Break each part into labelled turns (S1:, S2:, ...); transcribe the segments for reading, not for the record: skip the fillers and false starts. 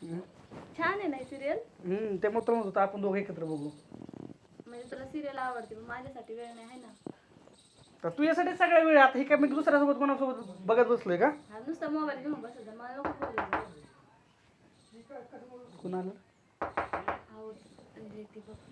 S1: छान आहे ना सिरियल.
S2: ते मग म्हणत होतं आपण दोघं एकत्र बघू.
S1: म्हणजे तुला सिरियल आवडते पण माझ्यासाठी वेळ नाही आहे ना.
S2: तर तू यासाठी सगळ्या वेळ आता हे काय मी दुसऱ्यासोबत कोणासोबत बघत बसलोय का?
S1: हा नुसता मोबाईल घेऊन बसायचा मला नको बोलायला.
S2: कुणाला
S1: म्हणजे ती बघ.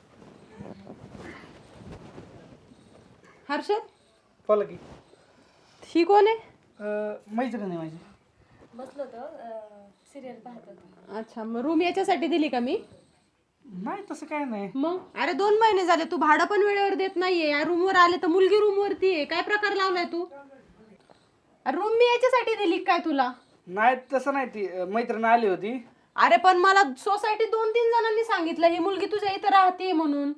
S3: हर्षद
S2: बोला की.
S3: ही कोण आहे?
S2: मैत्रीण आहे माझी.
S1: बसलो होतो सिरियल पाहत होतो.
S3: अच्छा मग रूम याच्यासाठी दिली का मी?
S2: नाही तसं काय नाही.
S3: मग अरे 2 महिने झाले तू भाडं पण वेळेवर देत नाहीये. या रूमवर आले तर मुलगी रूमवरती आहे. काय प्रकार लावलाय तू? रूम मी याच्यासाठी दिली काय तुला?
S2: नाही तसं नाही, ती मैत्रीण आली होती.
S3: अरे पण मला सोसायटी 2-3 जणांनी सांगितलं ही मुलगी तुझ्या इथं राहते म्हणून.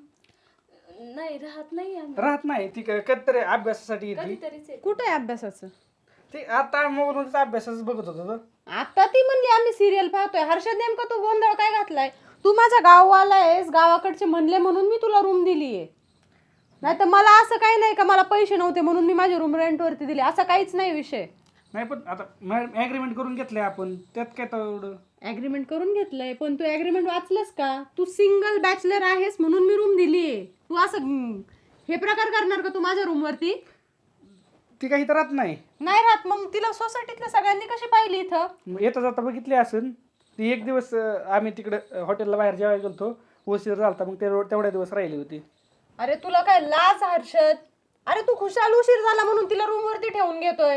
S1: नाही राहत नाही आम्ही.
S2: राहत नाही ती, कधीतरी अभ्यासासाठी येते.
S1: कधीतरीच आहे.
S3: कुठे आहे अभ्यासाचं?
S2: ते आता मोबाईलवरच अभ्यासाच बघत होतो.
S3: आता ती म्हणली आम्ही सिरियल पाहतोय. हर्षद नेमका तू गोंधळ काय घातलाय? तू माझ्या गाववाला आहेस, गावाकडचे म्हणले म्हणून मी तुला रूम दिलीये. नाही तर मला असं काही नाही का मला पैसे नव्हते म्हणून मी माझी रूम रेंटवरती दिली, असं काहीच नाही विषय.
S2: नाही पण आता ॲग्रीमेंट करून घेतलंय आपण, त्यात काय तेवढं.
S3: ॲग्रीमेंट करून घेतलंय पण तू ॲग्रीमेंट वाचलंस का? तू सिंगल बॅचलर आहेस म्हणून मी रूम दिलीये. तू असं हे प्रकार करणार का तू माझ्या रूमवरती?
S2: ती काही तर राहत नाही.
S3: नाही राहत मग तिला सोसायटीतल्या सगळ्यांनी कशी पाहिली इथं?
S2: येता जाता बघितली असेल ती. एक दिवस आम्ही तिकडं हॉटेलला बाहेर जेवायला गेलतो, उशीर झालता, मग तेवढ्या दिवस राहिली होती.
S3: अरे तुला काय लाज हर्षद? अरे तू खुशाल उशीर झाला म्हणून तिला रूमवरती ठेवून घेतोय.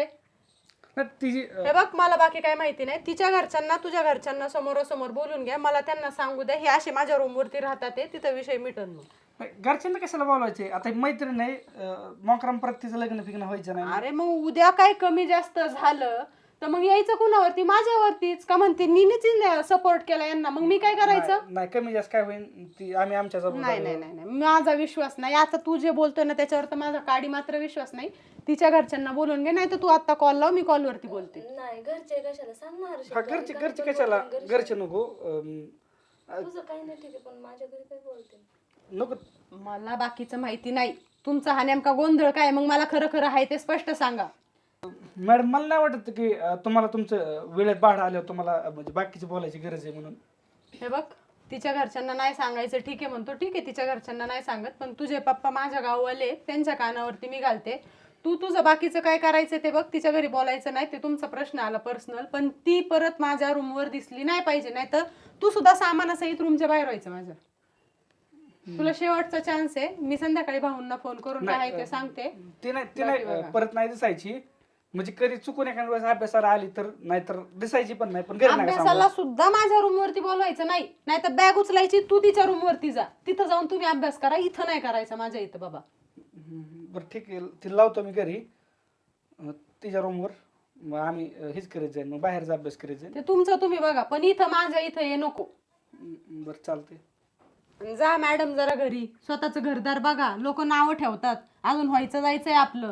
S2: तिची
S3: हे बघ मला बाकी काय माहिती नाही. तिच्या घरच्यांना तुझ्या घरच्यांना समोरासमोर बोलून घ्या, मला त्यांना सांगू द्या हे असे माझ्या रूमवरती राहतात तिथं विषय मिटन. मग
S2: घरच्यांना कशाला बोलायचे? आता मैत्रीण नाही, मोकराम परत तिचं लग्न फिग्न व्हायचं नाही.
S3: अरे मग उद्या काय कमी जास्त झालं तर मग यायचं कुणावरती? माझ्यावरतीच का? म्हणते नीच सपोर्ट केला यांना, मग मी काय करायचं?
S2: नाही कमी जास्त काय होईल ती आम्ही आमच्या
S3: नाही नाही नाही नाही माझा विश्वास नाही. आता तू जे बोलतोय ना त्याच्यावर तर माझा काडी मात्र विश्वास नाही. तिच्या घरच्यांना बोलून घे, नाही तर तू आता कॉल लाव, मी कॉलवरती बोलते.
S1: नाही घरचे कशाला सांगणार.
S2: हा घरचे कशाला? घरचे नको.
S1: तुझं काही नाही ठीक आहे पण माझ्या घरी काय बोलते
S2: नको.
S3: मला बाकीचं माहिती नाही. तुमचा हा नेमका गोंधळ काय? मग मला खरं खरं आहे ते स्पष्ट सांगा.
S2: मॅडम मला नाही वाटत की तुम्हाला तुमचं वेळेत भाडं आल्यावर तुम्हाला म्हणजे बाकीची बोलायची गरज आहे म्हणून.
S3: हे बघ तिच्या घरच्यांना नाही सांगायचं ठीक आहे म्हणतो, ठीक आहे तिच्या घरच्यांना नाही सांगत, पण तुझे पप्पा माझ्या गाववाले त्यांच्या कानावरती मी घालते. तू तुझं बाकीचं काय करायचं ते बघ. तिच्या घरी बोलायचं नाही, ते तुमचा प्रश्न आला पर्सनल, पण ती परत माझ्या रूमवर दिसली नाही पाहिजे. नाही तर तू सुद्धा सामानासहित रूमच्या बाहेर व्हायचं माझ्या. तुला शेवटचा चान्स आहे. मी संध्याकाळी भाऊंना फोन करून काय आहे ते सांगते.
S2: ती नाही परत नाही दिसायची. म्हणजे कधी चुकून एखाद्या वेळेस अभ्यासाला आली तर, नाहीतर दिसायची पण नाही. पण
S3: अभ्यासाला सुद्धा माझ्या रूमवरती बोलवायचं नाही. नाहीतर बॅग उचलायची, तू तिच्या रूमवरती जा, तिथं जाऊन तुम्ही अभ्यास करा. इथं नाही करायचं माझ्या इथं बाबा.
S2: बरं ठीक आहे, तिला लावतो मी घरी तिच्या रूमवर. मग आम्ही हेच करीत जाईल, मग बाहेरचा अभ्यास करीत जाईल.
S3: ते तुमचं तुम्ही बघा, पण इथं माझ्या इथं ये नको.
S2: बरं चालते.
S3: जा मॅडम जरा घरी, स्वतःचं घरदार बघा. लोक नावं ठेवतात, अजून व्हायचं जायचंय आपलं.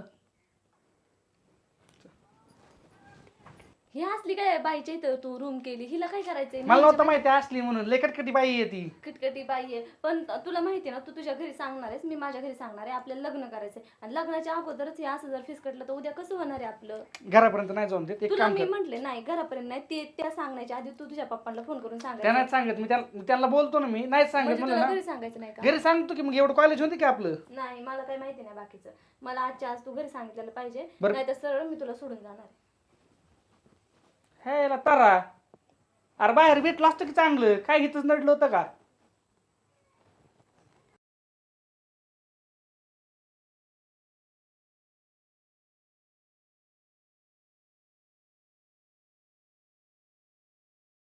S1: ही असली काय बाईच्या इथं तू रूम केली? हिला काय करायचंय?
S2: मला नव्हतं माहिती असली म्हणून. लय कटकटी बाई आहे ती.
S1: किटकिटी बाई आहे. पण तुला माहिती आहे ना, तू तुझ्या घरी सांगणार आहेस, मी माझ्या घरी सांगणार आहे. आपल्याला लग्न करायचंय आणि लग्नाच्या अगोदरच हे असं जर फिसकटलं तर उद्या कसं होणार आहे आपलं?
S2: घरापर्यंत नाही जाऊन देत. एक
S1: तुला
S2: काम
S1: मी
S2: कर.
S1: म्हटले नाही घरापर्यंत नाही, ते त्या सांगण्याच्या आधी तू तुझ्या पप्पांना फोन करून
S2: त्या
S1: सांगायचं.
S2: नाही सांगत मी त्यांना बोलतो ना. मी नाही सांगत
S1: म्हणजे
S2: म्हणलं
S1: तुला
S2: ना.
S1: घरी सांगायचं नाही का?
S2: घरी सांगतो की मग एवढं कॉलेज होते की आपलं.
S1: नाही मला काही माहिती नाही बाकीचं. मला आजच्या आज तू घरी सांगितलेलं पाहिजे,
S2: बरं.
S1: नाही तर सरळ मी तुला सोडून जाणार आहे.
S2: हे तारा, अरे बाहेर भेटलं असतं की चांगलं. काय घेतच नडलं होतं का?